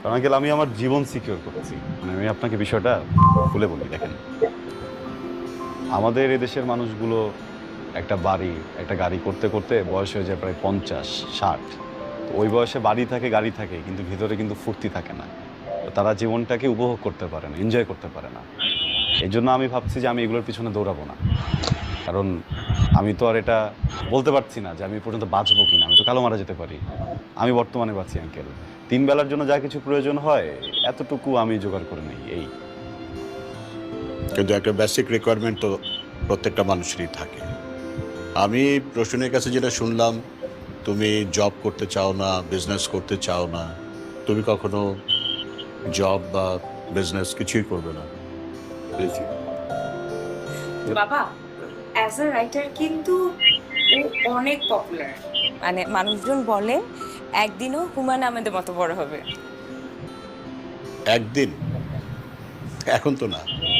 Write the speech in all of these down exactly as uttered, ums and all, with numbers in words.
কারণ আঙ্কেল আমি আমার জীবন সিকিউর করেছি। মানে আমি আপনাকে বিষয়টা খুলে বলি, দেখেন আমাদের এদেশের মানুষগুলো একটা বাড়ি একটা গাড়ি করতে করতে বয়স হয়ে যায় প্রায় পঞ্চাশ ষাট। তো ওই বয়সে বাড়ি থাকে গাড়ি থাকে কিন্তু ভিতরে কিন্তু ফুর্তি থাকে না। তো তারা জীবনটাকে উপভোগ করতে পারে না, এনজয় করতে পারে না। এই জন্য আমি ভাবছি যে আমি এগুলোর পিছনে দৌড়াবো না। কারণ আমি তো আর এটা বলতে পারছি না যে আমি এ পর্যন্ত বাঁচবো কিনা, আমি তো কালো মারা যেতে পারি। আমি বর্তমানে বাঁচি আঙ্কেল, তিন বেলার জন্য যা কিছু প্রয়োজন হয় এতটুকু আমি জোগাড় করে নিই এই। কিন্তু একটা বেসিক রিকোয়ারমেন্ট তো প্রত্যেকটা মানুষেরই থাকে। আমি রোশনের কাছে যেটা শুনলাম, তুমি জব করতে চাও না, বিজনেস করতে চাও না, তুমি কখনো জব বা বিজনেস কিছুই করবে না। বাবা অ্যাজ আ রাইটার কিন্তু ও অনেক পপুলার, মানে মানুষজন বলে একদিনও হুমায়ুন আহমেদের মতো বড় হবে। একদিন, এখন তো না।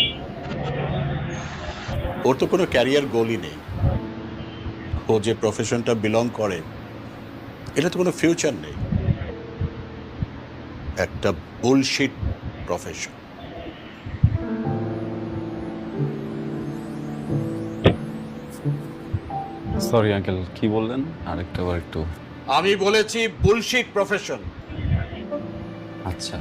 ওর তো কোনো ক্যারিয়ার গোলই নেই। ও যে প্রফেশনটা বিলং করে এটা তো কোনো ফিউচার নেই, একটা বুলশিট প্রফেশন। সরি আঙ্কেল, কি বললেন আরেকটা বার একটু। আমি বলেছি বুলশিট প্রফেশন। আচ্ছা,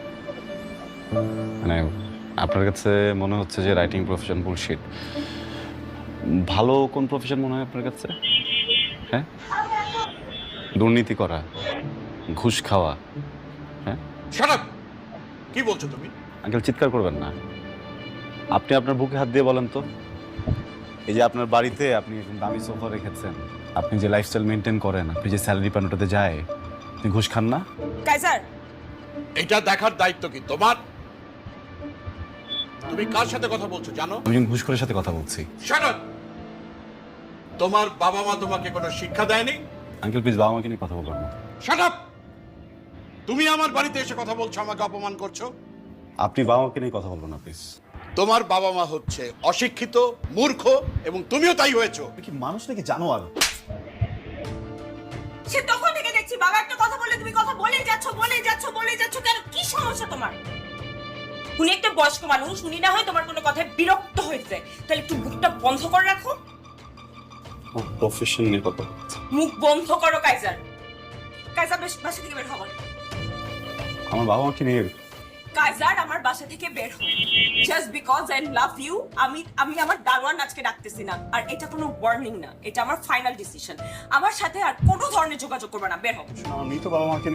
মানে আপনার কাছে মনে হচ্ছে যে রাইটিং প্রফেশন বুলশিট। ভালো কোন প্রফেশন মনে হয় আপনার কাছে? হ্যাঁ, দুর্নীতি করা, ঘুষ খাওয়া। হ্যাঁ শাট আপ! কি বলছো তুমি? আঙ্কেল চিৎকার করবেন না। আপনি আপনার বুকে হাত দিয়ে বলেন তো, এই যে আপনার বাড়িতে আপনি এরকম দামি সোফা রেখেছেন, আপনি যে লাইফস্টাইল মেনটেন করেন, আপনি যে স্যালারি পান ওটাতে যায়, আপনি ঘুষ খান না? কাইজার এটা দেখার দায়িত্ব কি তোমার? তুমি কার সাথে কথা বলছো জানো? আমি একজন ঘুষখোরের সাথে কথা বলছি। Shut up! তোমার বাবা মা তোমাকে কোনো শিক্ষা দেয়নি? আঙ্কেল প্লিজ বাবা মাকে নিয়ে কথা বলবেন না। Shut up! তুমি আমার বাড়িতে এসে কথা বলছো, আমাকে অপমান করছো। আপনি বাবা মাকে নিয়ে কথা বলবেন না প্লিজ। তোমার বাবা মা হচ্ছে অশিক্ষিত, মূর্খ, এবং তুমিও তাই হয়েছো। কি মানুষ নাকি জানোয়ার? সে তখন থেকে দেখছি বাবা একটা কথা বললে তুমি কথা বলেই যাচ্ছ বলেই যাচ্ছ বলেই যাচ্ছ, কেন কি সমস্যা তোমার? উনি একটা বয়স্ক মানুষ, উনি না হয় তোমার কোনো কথায় বিরক্ত হয়েছে, তাহলে একটু মুখটা বন্ধ করে রাখো। প্রফেশন নিয়ে কথা বলছি। মুখ বন্ধ করো কাইজার। কাইজার বেশ বাসা থেকে বের হও। আমার বাবা মাকে নিয়ে কাইজার আমার বাসা থেকে বের হও। Just because I love you আমি আমি আমার দারোয়ান আজকে ডাকতেছি না, আর এটা কোনো ওয়ার্নিং না, এটা আমার ফাইনাল ডিসিশন। আমার সাথে আর কোনো ধরনের যোগাযোগ করবে না, বের হও। আমি তো বাবা মাকে